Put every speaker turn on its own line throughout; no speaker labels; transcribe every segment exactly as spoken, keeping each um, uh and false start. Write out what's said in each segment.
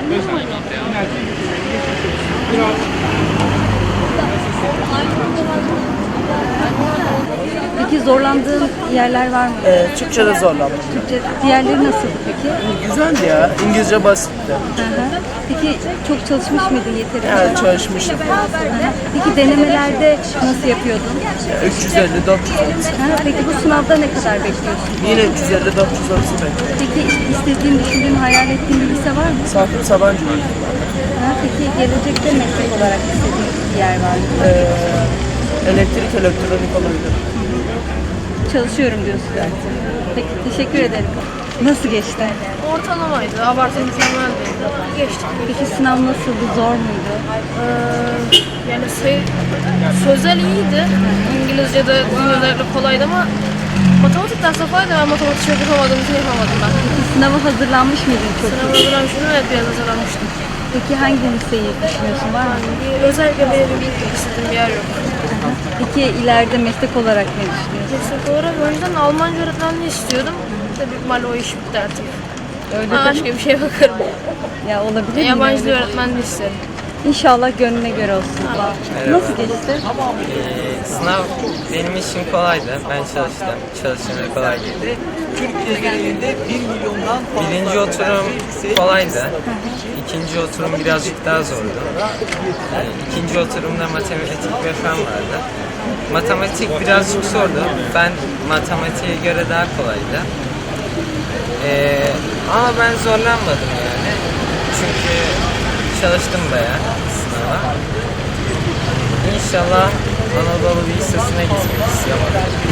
Peki zorlandığın yerler var mı?
Ee, Türkçe'de zorlandım.
Türkçe, diğerleri nasıldı peki?
Güzeldi ya. İngilizce basitti.
Hı hı. Peki çok çalışmış mıydın yeterince?
Evet, çalışmışım.
Hı hı. Peki denemelerde nasıl yapıyordun?
üç yüz elli dört yüz arası.
Hı, peki bu sınavda ne kadar bekliyorsun?
Yine üç yüz elli dört yüz arası bekliyorum.
Peki istediğin, düşündüğün, hayal ettiğin bir lise var mı?
Sakıp Sabancı.
Ha, peki gelecekte meslek olarak istediğin bir yer var mı?
Ee, elektrik, elektronik olabilir.
Çalışıyorum diyorsun zaten. Peki teşekkür ederim. Nasıl geçti?
Ortalamaydı, abartı mükemmel değildi. Geçtik.
Peki sınav nasıldı? Zor muydu?
Ee, yani sayı, sözel iyiydi. İngilizce'de özellikle kolaydı ama matematik dersi kolaydı. Ben matematik çok yapamadığım için yapamadım ben.
Peki sınava hazırlanmış mıydın çok?
Sınavı hazırlamıştım, evet biraz hazırlanmıştım.
Peki hangi liseyi düşünüyorsun? Var mı?
Bir, özellikle benim bir istediğim bir yer yok.
Peki ileride meslek olarak ne düşünüyorsun?
Meslek olarak önceden Almanca öğretmenliği istiyordum. Tabii büyük ihtimalle o iş bitti artık.
Öyle
Ben
de-
başka bir şeye bakarım.
Ya olabilir mi?
Yabancı dil
Öyle?
öğretmenliği isterim.
İnşallah gönlüne göre olsun. Nasıl geçti?
Ee, sınav benim için kolaydı. Ben çalıştım. Çalışmaya kolay geldi.
Türkiye genelinde bir milyondan fazla
Birinci oturum kolaydı. İkinci oturum birazcık daha zordu. Ee, İkinci oturumda matematik ve fen vardı. Matematik birazcık zordu. Ben matematiğe göre daha kolaydı. Ee, ama ben zorlanmadım yani. Çünkü çalıştım bayağı sınava. İnşallah Anadolu Lisesi'ne gitmek istiyorum.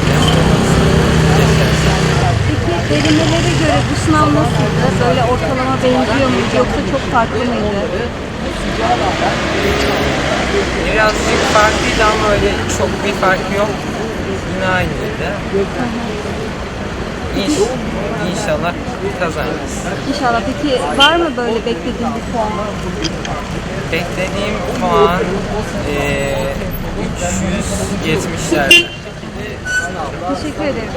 Peki denemelere göre bu sınav nasıldı? Böyle ortalama benziyor muydu yoksa çok farklı mıydı?
Birazcık farklıydı ama öyle çok bir fark yok. Yine aynıydı. İnş, inşallah kazanırız.
İnşallah. Peki var mı böyle beklediğin bir puan?
Beklediğim puan eee üç yüz yetmişlerde.
Teşekkür ederim.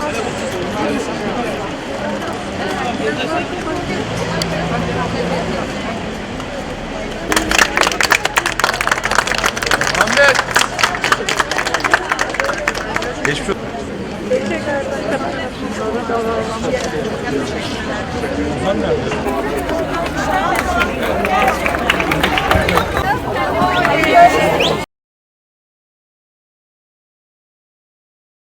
Ahmet. Geçmiş olsun.